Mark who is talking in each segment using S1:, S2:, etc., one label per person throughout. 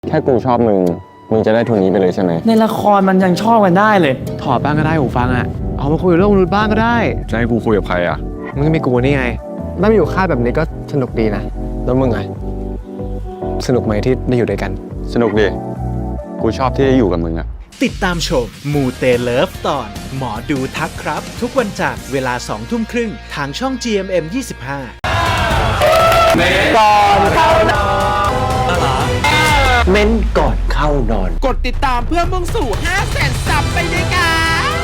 S1: แค่กูชอบมึงจะได้ทุนนี้ไปเลยใช่ไหม
S2: ในละครมันยังชอบกันได้เลย
S3: ถอดบ้างก็ได้หูฟังอ่ะเอามาคุยเรื่องมนุษย์บ้างก็ได้
S1: จะให้กูคุยกับใครอ่ะ
S3: มึงก็มีกูนี่ไงได้มาอยู่ค่ายแบบนี้ก็สนุกดีนะแล้วมึงไงสนุกไหมที่ได้อยู่ด้วยกัน
S1: สนุกดิกูชอบที่ได้อยู่กับมึงอ่ะ
S4: ติดตามชมมูเตเลิฟตอนหมอดูทักครับทุกวันจันทร์เวลา 20:30 น.ทางช่อง GMM 25
S2: เม้นก่อนเข้านอน
S5: กดติดตามเพื่อมุ่งสู่ 500,000 ซับไปด้วยกัน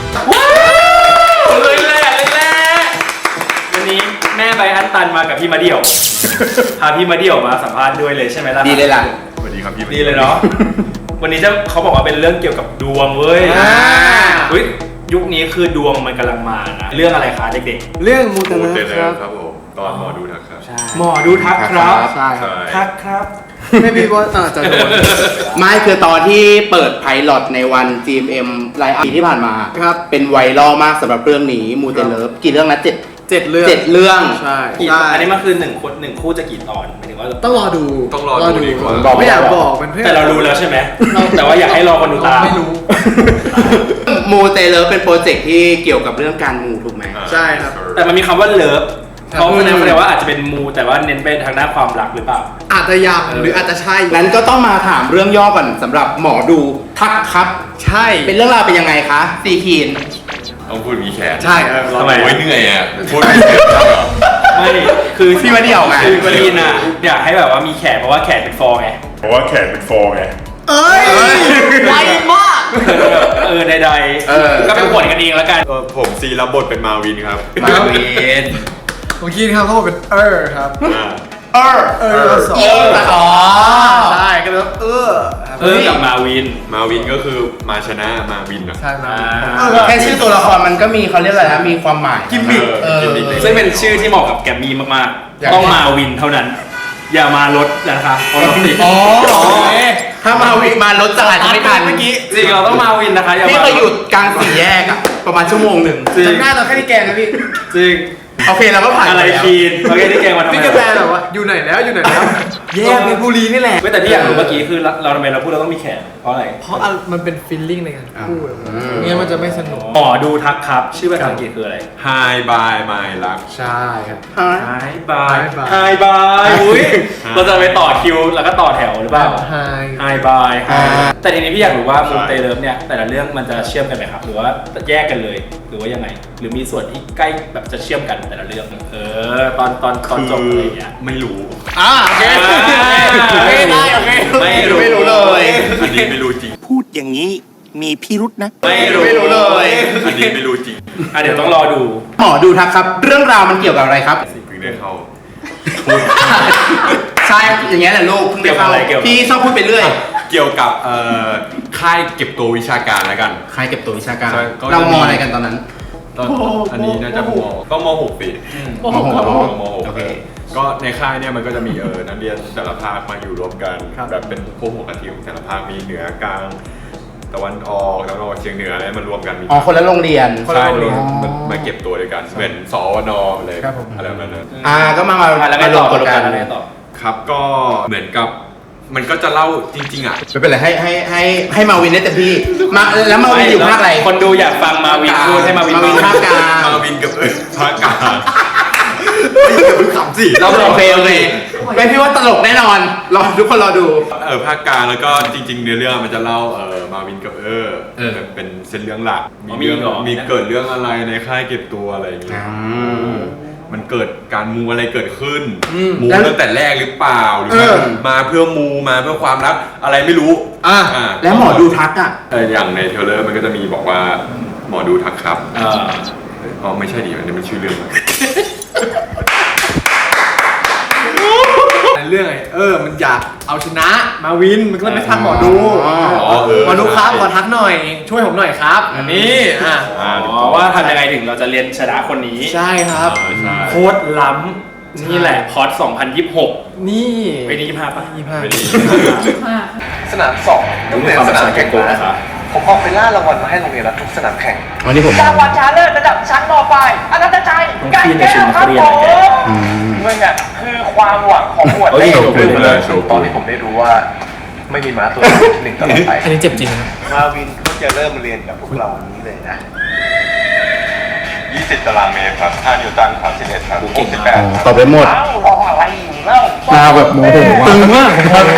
S6: เลยแหละวันนี้แม่ใบอันตันมากับพี่มาเดี่ยว พาพี่มาเดี่ยวมาสัมภาษณ์ด้วยเลยใช่ไหมล่ะ
S7: ดีเลยล่ะ
S1: สวัสดีครับพี่
S6: ดีเลยเนาะ วันนี้เขาบอกว่าเป็นเรื่องเกี่ยวกับดวงเว้ยยุคนี้คือดวงมันกำลังมานะเรื่องอะไรคะเด็กๆ
S3: เรื่องมูเตเลิฟ
S1: ครับผมตอนหมอดูทักครับ
S6: หมอดูทักครับ
S3: ใช่ครับ
S6: ทักครับ
S3: ไม่มีว่าจะโดน
S7: ไม่คือตอนที่เปิดไพลอตในวัน GMM ไลฟ์ปีที่ผ่านมา
S3: ครับ
S7: เป็นไวรัลมากสำหรับเรื่องนี้มูเตเลิฟกี่เรื่องนะ7
S3: เรื่อง
S7: 7 เรื่อง
S3: ใช่
S6: อันนี้มันคือหนึ่งคู่จะกี่ตอนหมายถึงว่า
S3: ต้องรอดู
S1: ดีกว่า
S7: บอกไม่
S3: ไม่อยาก
S7: ได้
S3: บอกมันเพื่อ
S6: แต่เรารู้แล้วใช่ไหมแต่ว่าอยากให้รอคนดูตาม
S3: ไม่รู้
S7: มูเตเลิฟเป็นโปรเจกต์ที่เกี่ยวกับเรื่องการมูถูกไหม
S3: ใช่ครับ
S6: แต่มันมีคำว่าเลิฟเขาแสดงว่าอาจจะเป็นมูแต่ว่าเน้นไปทางด้านความรักหรือเปล่า
S3: อาจจะยังหรืออาจจะใช่
S7: นั้นก็ต้องมาถามเรื่องย่อก่อนสำหรับหมอดูทักครับ
S3: ใช่
S7: เป็นเรื่องราวเป็นยังไงคะซีคีน
S1: ต้องพูดมีแขน
S3: ใช่
S6: ทำไม
S1: โอ้ยเหนื่อยอ่ะพูดมีแขนเหรอ
S6: ไม่คือ
S7: พี่มาเดี่ยวไง
S6: คือประเด็นน่ะอยากให้แบบว่ามีแขนเพราะว่าแขนเป็นฟองไง
S1: เพราะว่าแขนเป็นฟองไง
S3: เอ้ยไวมาก
S6: ใดๆก็เป็นผลกันเองแล้วกัน
S1: ผมซีรับบทเป็นมาวินครับ
S7: มาวิน
S3: เมื่อกี้ครับเขาบอกเป็นครับ
S7: สองอ๋อ
S3: ใช่ก็เลย
S6: กับมาวิน
S1: มาวินก็คือมาชนะมาวินอ่ะ
S3: ใช่มา
S7: แค่ชื่อตัวละครมันก็มีเขาเรียกอะไรนะมีความหมาย
S3: กิมมิค
S1: กิมมิค
S6: ซึ่งเป็นชื่อที่เหมาะกับแกมมี่มากๆ ต้องมาวินเท่านั้น อย่ามารถนะคะเพราะรถติด
S7: ถ้ามาวินมารถจะอาจจะไม่ทัน
S3: เมื่อกี้
S6: จริงเราต้องมาวินนะคะอย่า
S7: พี่
S6: มา
S7: เคยหยุดกลางสี่แยกอะประมาณชั่วโมงหนึ่ง
S6: จริง
S3: จำหน้าเราแค่ที่แกงนะพี่
S6: จริง
S7: โอเคเราก็ผ่าน
S6: อะไร
S7: ปแล้ว
S6: คีนโอเคที่แกงมาทำไม
S3: พี่กระแตแบบว่าอยู่ไหนแล้วอยู่ไหนแล้วแยกเพชรบุรีนี่แหละ
S6: แต่ที่อยากรู้เมื่อกี้คือเราทำไมเราพูดเราต้องมีแขนเพราะอะไร
S3: เพราะมันเป็นฟีลลิ่งในการพูดเนี่ยมันจะไม่สนุก
S6: หมอดูทักครับ ชื่อภาษาอังกฤษคืออะไร
S1: Hi bye my luck
S3: ใช่ครับ
S6: Hi bye
S3: Hi
S6: Hi bye อุ้ยเราจะไปต่อคิวแล้วก็ต่อแถวหรือเปล่า Hi bye แต่ทีนี้พี่อยากรู้ว่ามูเตเลิฟเนี่ยแต่ละเรื่องมันจะเชื่อมกันไหมครับหรือว่าแยกกันเลยหรือว่ายังไง หรือมีส่วนที่ใกล้แบบจะเชื่อมกันแต่ละเรื่องตอนจบอะไรอย่างเงี้ย
S1: ไม่รู้
S3: โอเคไม่ได้โอเค
S6: ไม่รู้เลย
S1: อันนี้ไม่รู้จริง
S4: พูดอย่างนี้มีพิรุษนะ
S6: ไม่รู้เลย
S1: อันนี้ไม่รู้จริง
S6: เดี๋ยวต้องรอดู
S7: หมอดูทักครับ เรื่องราวมันเกี่ยวกับอะไรครับ
S1: เพิ่งได้เข้า
S7: ใช่อย่างเงี้ยแหละลูกเพิ่งได้เข้าพี่ชอบพูดไปเรื่อย
S1: เกี่ยวกับค่ายเก็บตัววิชาการแล้วกัน
S7: ใครเก็บตัววิชาการ
S1: ใช่ก็
S7: เรามออะไรกันตอนนั้น
S1: ตอนอันนี้น่าจะมก็ม.6 ปี
S7: มหก
S1: ม.6
S7: โอเค
S1: ก็ในค่ายเนี่ยมันก็จะมีนักเรียนแต่ละภาคมาอยู่รวมกันแบบเป็นพวกหัวกะทิของแต่ละภาคมีเหนือกลางตะวันออกแล้วก็เชียงเหนืออะไรมารวมกันมี
S7: อ๋อคนละโรงเรียน
S1: ใช่มันมาเก็บตัวด้วยกันเหมือนสวนเลย
S3: ครับผม
S1: อะไรแบบนั้นนะ
S7: ก็มา
S6: แล้วไง
S7: ร
S6: ต่
S7: ว
S6: อ
S7: มตัวกัน
S6: แล้วไงต่อ
S1: ครับก็เหมือนกับมันก็จะเล่าจริงๆอ่ะ
S7: ไม่เป็นไรให้มาวินได้เต็มที่มาแล้วมาวินอยู่ภาคอะไร
S6: คนดูอยากฟังมาวินพูดให้มาวิน
S7: ภาคกลาง
S1: มาวินกับภาคกลางขำสิ
S7: เราโอเคไม่พี่ว่าตลกแน่นอนรอทุกคนรอดู
S1: ภาคกลางแล้วก็จริงๆเนื้อเรื่องมันจะเล่ามาวินกับเป็นเส้นเรื่องหลักมีเกิดเรื่องอะไรในค่ายเก็บตัวอะไรอย่างเงี้ยมันเกิดการมูอะไรเกิดขึ้นมูตั้งแต่แรกหรือเปล่าหรือมาเพื่อมูมาเพื่อความรักอะไรไม่รู้
S7: แล้วหมอดูทักอ่ะ
S1: อย่างในเทรลเลอร์มันก็จะมีบอกว่าหมอดูทักครับอ๋อไม่ใช่ดิอันนี้มันชื่อเรื่อง
S3: เรื่องมันอยากเอาชนะมาวินมันก็เลยไม่ทักหมอดู
S1: หมอดู
S3: ครับขอทักหน่อยช่วยผมหน่อยครับอันนี้
S6: เพราะว่าทำยังไงถึงเราจะเรียนชนะคนนี้
S3: ใช่ครับ
S6: โคตรล้ำนี่แหละพอด2026
S3: นี่
S6: ไปนี้25ป่ะ
S8: สนามสองต้องเป็นสนามแข่งนะผมออกไปล่ารางวัลมาให้โรงเรียนแล้วทุกสนามแข่ง
S7: วันนี้ผม
S5: รางวัลชนะเลิศระดับชั้นมปลายอนันตชัยไก่แก้วครับผมมึงอ่ะคือความหวังของหมวด
S1: โชว์
S8: ตอนที่ผมได้รู้ว่าไม่มีม้าตัวที่หนึ่งตลอดไป
S3: อันนี้เจ็บจริง
S8: มาวินก็จะเริ่มเรียนกับพวกเราวันนี้เลยนะ
S1: 20 ตารางเมตรครับ5นิวตันครับ11ครับ68
S7: ตอบไปหมด
S5: เอ้ารออะไรอยู่เล่า
S7: มาแบบโมโหตึงมาก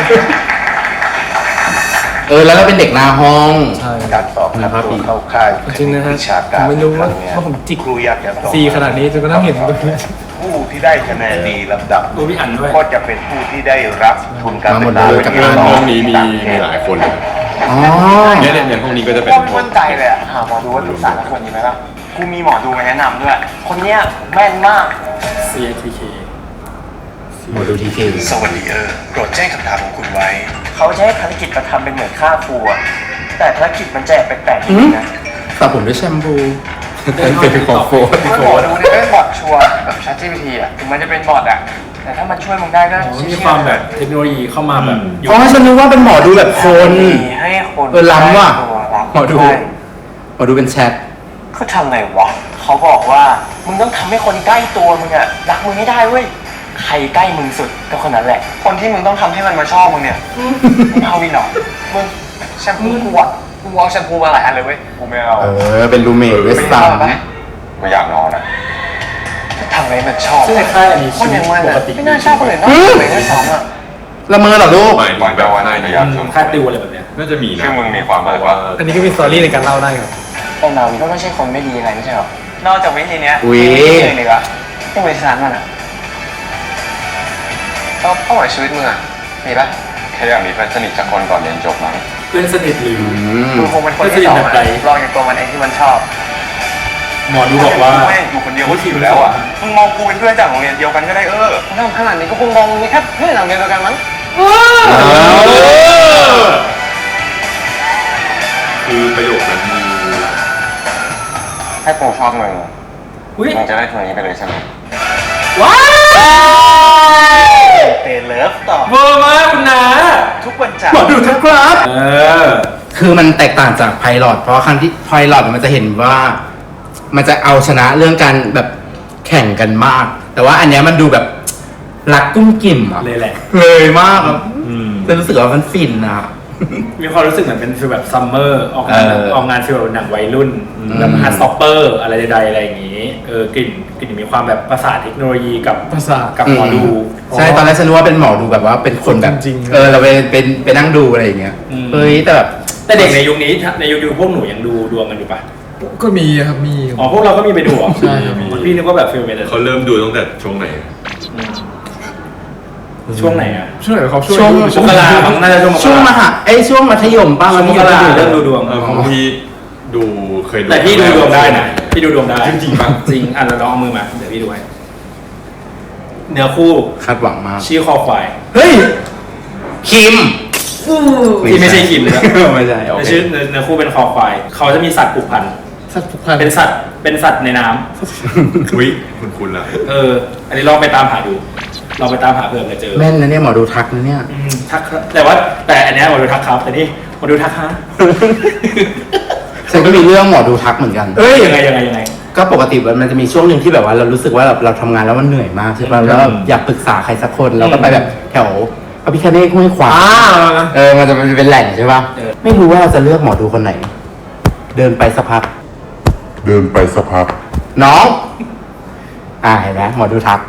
S7: แล้วก็เป็นเด็กหน้าห้อง
S3: ใช่
S8: การสอบนะครับตัวเข้าค่าย
S3: จริงนะฮะ
S8: วิชาการ
S3: ผมไม่รู้ว่า
S8: คงเนี้ย
S3: ผมจิก
S8: ครูอยากจะสอบ
S3: ซีขนาดนี้จนกระทั่งเห็น
S8: ผู้ที่ได้คะแนนดีลำดับ
S6: ตัวพี่อันด้วย
S8: ก็จะเป็นผู้ที่ได้รับทุนการศึกษา
S7: มาหมดเลยจาก
S8: ที่
S1: ห้องนี้มีหลายคนเลย
S7: อ๋อ
S1: เนี่ยห้องนี้ก็จะเป็น
S5: โคตรมั่นใจเลยอะหาหมอดูว่าศึกษาแล้วคนนี้ไหมล่ะกูมีหมอดูมาแนะนำด้วย คนเนี้ยแม่นมาก
S6: CATK
S7: หมดดูทีเค
S8: สวัสดีโปรดแจ้งคำถามของคุณไว้
S5: เขาจะให้ภารกิจมาทำเป็นเหมือนฆ่าครูอะแต่ภารกิจมันแจกแปลกๆนิดนึงนะ
S7: สระผมด้วยแชมพูเป็นของโฟร์
S5: เมื่อหมอดูเนี่ยเป็นบอทชัวร์แบบ ChatGPT อะถึงมันจะเป็นบอทอะแต่ถ้ามันช่วยมึงได้ก็
S6: มีความแบบเทคโนโลยีเข้ามาแบบอยู่
S7: อ๋อฉันนึกว่าเป็นหมอดูแบบคน
S5: ให้คน
S7: ล้ำว่ะ
S5: ใกล้ตัว
S7: หมอดู
S5: ใช่
S7: หมอดูเป็นแชท
S5: เขาทำไงวะเขาบอกว่ามึงต้องทำให้คนใกล้ตัวมึงอะรักมึงให้ได้เว้ยใครใกล้มึงสุดก็คนนั้นแหละ คนที่มึงต้องทำให้มันมาชอบมึงเนี่ยไม่เอาวินหรอมึงแชมพูกูอะกูเอาแชมพูมาหลายอันเลยเว้ยกูไม่เอา
S7: เป็นรูเมทด้วยซ้
S1: ไม่อยากนอนอ่ะ
S5: ทำไงมันชอบ
S6: ซึ่งในค่ายอันนี้
S5: คนอย่างมัน
S6: ป
S5: อะ
S6: กติ
S5: ไม่น่าชอบคนอื่นนอกจากตัวเองด้วยซ้ำอะ
S7: ำละเมอเหรอลูก
S1: หมายถึงแบบว่าในยามช่วง
S6: ค่ายติวอะไรแบบเนี้ย
S1: น่าจะมีนะคือมึงมีความแบบว่า
S3: อันนี้ก็มีสตอรี่ในการเล่าได้ครับ
S5: แต่นาวินก็ไม่ใช่คนไม่ดีอะไรไม่ใช่หรอนอกจากวิธีเนี้ย
S7: อุ๊ย
S5: มีวิธีอื่นอีกอะที่บริษัทมันอะเป้าหมายชีวิตมึงอะมีปะ
S1: แค่อยากมีเพื่อนสนิทสักคนก่อนเรียนจบมั้ง
S6: เพื่อนสนิทหรือ
S5: มึงคงเป็นคนที่สองอะลองอย่างตัวมันเองที่มันชอบ
S6: หมอดูบอกว่า
S8: ไม่อยู่คนเดียวก็ชิวแล้วอ่ะ มึงมองกูเป็นเพื่อนจากโรงเรียนเดียวกันก็ได้
S5: ถ้าขนาดนี้ก็คงมองมีแค่เพื่อนหลังเดียวกันมั้ง
S1: คือประโยคนั้นมี
S8: ให้กูชอบมึง
S6: อุ้ย
S8: มึงจะได้ทุนนี้ไปเลยใช่ไหม
S6: ว้าว
S5: เตเลิฟต่อ
S6: เวอร์มากคุณนา
S5: ทุกวันจันท
S7: หมอ
S5: ร์
S7: ดูทักครับ
S6: อ
S7: คือมันแตกต่างจากไพลอตเพราะครั้งที่ไพลอตมันจะเห็นว่า มันจะเอาชนะเรื่องการแบบแข่งกันมาก แต่ว่าอันเนี้ยมันดูแบบรักกุ้มกิ่มอะ
S6: เลยแหละ
S7: เลยมากครับจะรู้สึกว่ามันฟินอะ
S6: มีความรู้สึกเหมือนเป็นฟีลแบบซัมเมอร์ออกงาน
S7: เออ
S6: ออกงานฟีลแบบหนังวัยรุ่นแบบฮาร์ดสต็อปเปอร์อะไรใดๆอะไรอย่างนี้กลิ่นมีความแบบประสาทเทคโนโลยีกับ
S3: ประสาท
S6: กับหมอดู
S7: ใช่ตอนแรกฉันนึกว่าเป็นหมอดูแบบว่าเป็นคนแบบ
S3: จริงๆ
S7: เราไปนั่งดูอะไรอย่างเงี้ย
S6: อืม
S7: เฮ้ยแต่แบบ
S6: แต่เด็กในยุคนี้ในยุคพวกหนูยังดูดวงกันอยู่ปะ
S3: ก็มีครับมี
S6: อ๋อพวกเราก็มีไปดูเหรอ
S3: ใช่ครับ
S6: พี่นึกว่าแบบฟีลเป็นอะไร
S1: เขาเริ่มดูตั้งแต่ช่วงไหน
S6: ช่วงไหนอะ
S3: ช่วงไหนเขาช่ว
S7: ช่วง
S6: มกรามั้งน่าจะช่วงมกรา
S7: ช่วงมัธยมป้า
S6: ช่วงมกราเริ่มดูดวง
S1: ของพี่ดูเคยดู
S6: แต่พี่ดูดวงได้นะพี่ดูดวงได้
S1: จริงๆปะ
S6: จริงอ่ะเราลองเอามือมาเดี๋ยวพี่ดูให้เนื้อคู่
S7: คาดหวังมาก
S6: ชื่อคอควาย
S7: เฮ้ยคิม
S6: ที่ไม่ใช่คิมเลยนะ
S7: ไม่ใช่โอเค
S6: ชื่อเนื้อคู่เป็นคอควายเขาจะมีสัตว์ผูกพัน
S3: สัตว์ผูกพัน
S6: เป็นสัตว์ในน้ำ
S1: อุ้ยคุณล่ะ
S6: อันนี้ลองไปตามหาดูลองไปตามหาเผื่อจะเจอ
S7: แม่นนะเนี่ยหมอดูทักนะเนี่ย
S6: ทักครับแต่อันเนี้ยหมอดูทักครับแต่นี่หมอดูทักฮะ
S7: ฉันก็มีเรื่องหมอดูทักเหมือนกัน
S6: เอ้ยยังไง
S7: ก็ปกติมันจะมีช่วงหนึ่งที่แบบว่าเรารู้สึกว่าเราทำงานแล้วมันเหนื่อยมากใช่ป่ะแล้วอยากปรึกษาใครสักคนเราก็ไปแบบแถวพระพิฆเนศห้วยขวางมันจะเป็นแหล่งใช่ป่ะไม่รู้ว่าเราจะเลือกหมอดูคนไหน เดินไปสักพักน้องเห็นไหมหมอดูทัก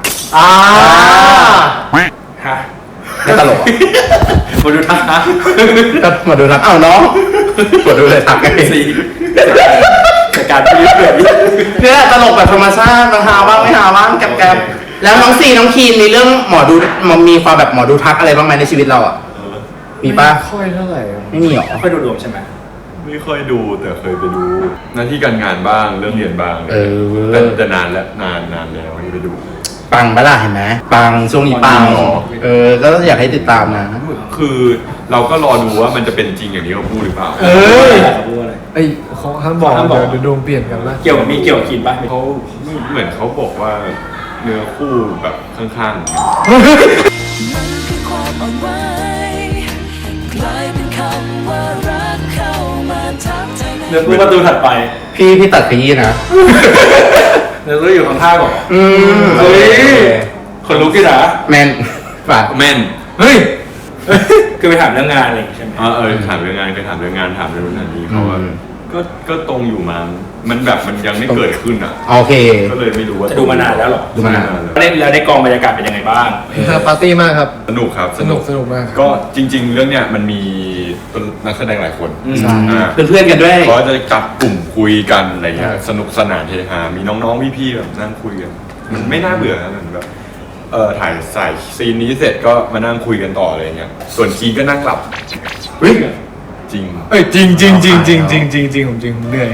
S6: ฮะ
S7: ไม่ตลกอะ
S6: หมอดูทักฮะ
S7: ก็หมอดูทักอ้าวน้องหมอดูเลยทักไง
S6: สี่จากการพิจารณา
S7: เนี่ยตลกแบบธรรมชาติมันหาบ้างไม่หาบ้างแกบๆแล้วน้องซีน้องคีนมีเรื่องหมอดูมันมีความแบบหมอดูทักอะไรบ้างไหมในชีวิตเราอ่ะมีป่ะ
S3: ค่อยเท่าไหร่ครับ
S7: ไม่มีหรอ
S6: ค่อยดูดวงใช่ไหม
S1: ไม่ค่อยดูแต่เคยไปดูหน้าที่การงานบ้างเรื่องเรียนบ้าง แต่นานแล้วนานแล้วที่ไปดู
S7: ปังปะล่ะเห็นไหมปังช่วงนี้ปัง
S1: อ๋อ
S7: ก็อยากให้ติดตามนะ
S1: คือเราก็รอดูว่ามันจะเป็นจริงอย่างที่เขาพูดหรือเปล่า
S6: เขาพูดอะไร
S3: ไอ้เขาห้ามบอก
S6: ห้ามบอก
S3: เดี๋ยวดวงเปลี่ยนกันละ
S6: เกี่ยวกับกินปะ
S1: เขาเหมือนเขาบอกว่าเนื้อคู่แบบข้าง
S9: มันคือความอ่อนไหวกลายเป็นคำว่ารักเข้ามาทับใจใน
S6: เนื้อคู่ประตูถัดไป
S7: พี่ตัดขยี้นะ
S6: เนื้อคู่อยู่ข้างๆหรอ
S7: เฮ้ย
S6: คนลุกกี่นะ
S7: แมนฝาก
S1: ๆแม่น
S3: เฮ้ย
S6: คือไปถามเรื่องงานอะไรอย่างงี้ใช่ไหม
S1: ถามเรื่องงานก็ถามเรื่องงานถามเรื่องนั้นนี้เขาว่าก็ตรงอยู่มั้งมันแบบมันยังไม่เกิดขึ้นอ่ะ
S7: โอเค
S1: ก็เลยไม่รู้ว่า
S6: จะดูมานานแล้วหรอ
S7: ดูมานาน
S6: แล้วในกองบรรยากาศเป็นยังไงบ้าง
S3: ปาร์ตี้มากครับ
S1: สนุกครับ
S3: สนุกมาก
S1: ก็จริง ๆ เรื่องเนี้ยมันมีนักแสดงหลายคน
S7: ใช่
S1: อ่า
S7: เพื่อนๆกันด้วย
S1: เขาจะจับกลุ่มคุยกันอะไรเงี้ยสนุกสนานเฮฮามีน้องๆพี่ๆแบบนั่งคุยกันมันไม่น่าเบื่อนะมันแบบถ่ายใส่ซีนนี้เสร็จก็มานั่งคุยกันต่ออะไรเงี้ยส่วนคีนก็นั่งหลับจริง
S3: จริงผมเหนื่อย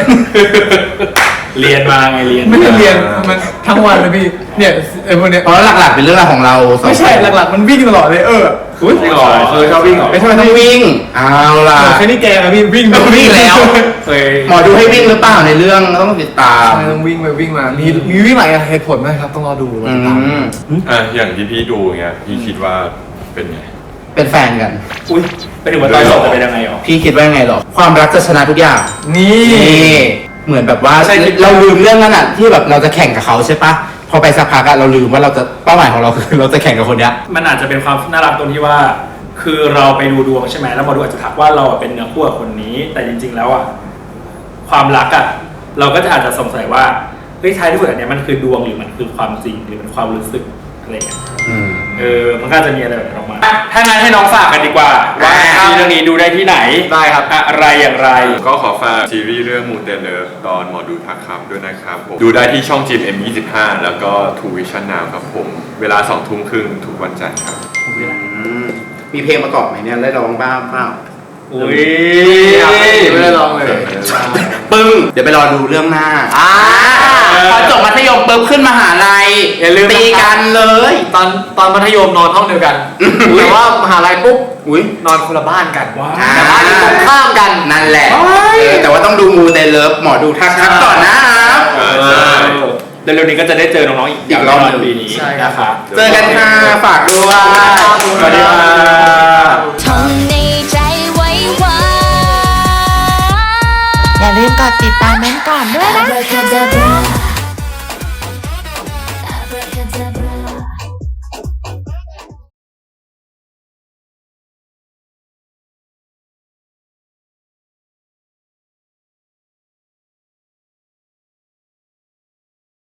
S6: เรียนมาไงเรียน
S3: ไม่ได้เรียนมันทั้งวันเลยพี่เนี่ยไอ้พวกเนี้ย
S7: เพราะหลักๆเป็นเรื่องราวของเราสอง
S3: ไม่ใช่หลักๆมันวิ่งตลอดเลย
S6: อุ้ยจริงเหรอชอบวิ่งเหรอ
S7: ไม่ทำไมต้องวิ่งเอาล่ะ
S3: แค่นี้แกนะพี่วิ่ง
S7: ต้องวิ่งแล้ว
S6: เคย
S7: หมอดูให้วิ่งหรือเปล่าในเรื่องต้องติดตาม
S3: ต้องวิ่งไปวิ่งมามีวิ่งหลายเหตุผลนะครับต้องรอดู
S1: อย่างที่พี่ดูเงี้ยพี่คิดว่าเป็นไง
S7: เป็นแฟนกัน
S6: อุ้ยไปถึงวันตอนจบจะเป็นยังไงหรอ
S7: พี่คิดว่าไงหรอความรักจะชนะทุกอย่าง
S3: นี่
S7: เหมือนแบบว่าเราลืมเรื่องนั้นอ่ะที่แบบเราจะแข่งกับเขาใช่ปะพอไปสักพักอะเราลืมว่าเราจะเป้าหมายของเราคือเราจะแข่งกับคนเนี้ย
S6: มันอาจจะเป็นความน่ารักตรงที่ว่า คือเราไปดูดวงใช่ไหมแล้วหมอดูอาจจะทักว่าเราเป็นเนื้อคู่กับคนนี้ แต่จริง ๆ แล้วอ่ะความรักอ่ะเราก็จะอาจจะสงสัยว่าเฮ้ยท้ายที่สุดอันเนี้ยมันคือดวงหรือมันคือความจริงหรือมันความรู้สึกอะไรอย่างเงี้ยมันก็จะมีอะไรแบบนี้ออกมาถ้างั้นให้น้องฝากกันดีกว่าว่าซีรีส์เรื่องนี้ดูได้ที่ไหน
S3: ได้ครับ
S6: อะไรอย่างไร
S1: ก็ขอฝากซีรีส์เรื่องมูเตเลิฟตอนหมอดูทักครับด้วยนะครับผมดูได้ที่ช่อง GMM25 แล้วก็ True Vision Now ครับผมเวลา 20:30 นทุกวันจันทร์ครับ
S7: มีเพลงประกอบไหมเนี่ยได้ร้องบ้างเปล่า
S6: อุ้ย
S3: ไม่ได้ลองเลย
S7: ปึ้งเดี๋ยวไปรอดูเรื่องหน้าพอจบมัธยมปุ๊บขึ้นมหาลัย
S3: อย่าลืม
S7: ตีกันเลย
S3: ตอนมัธยมนอนห้องเดียวกันแต่ว่ามหาลัยปุ๊บ
S7: อุ้ย
S3: นอนคนละบ้านกัน
S7: แต่บ้านที่ตรงข้ามกันนั่นแหละแต่ว่าต้องดูมูเตเลิฟหมอดูทักครับก่อนนะครับ
S6: เร็วๆนี้ก็จะได้เจอน้องๆอีกรอบในปีนี้นะคะ
S7: เจอกันค่ะฝากด้วย
S6: สวัสดีค่ะ
S9: ท่องในใจไว้ว่า
S10: อย่าลืมกดติดตามเม้นท์ก่อนด้วยนะ
S9: Abracadabra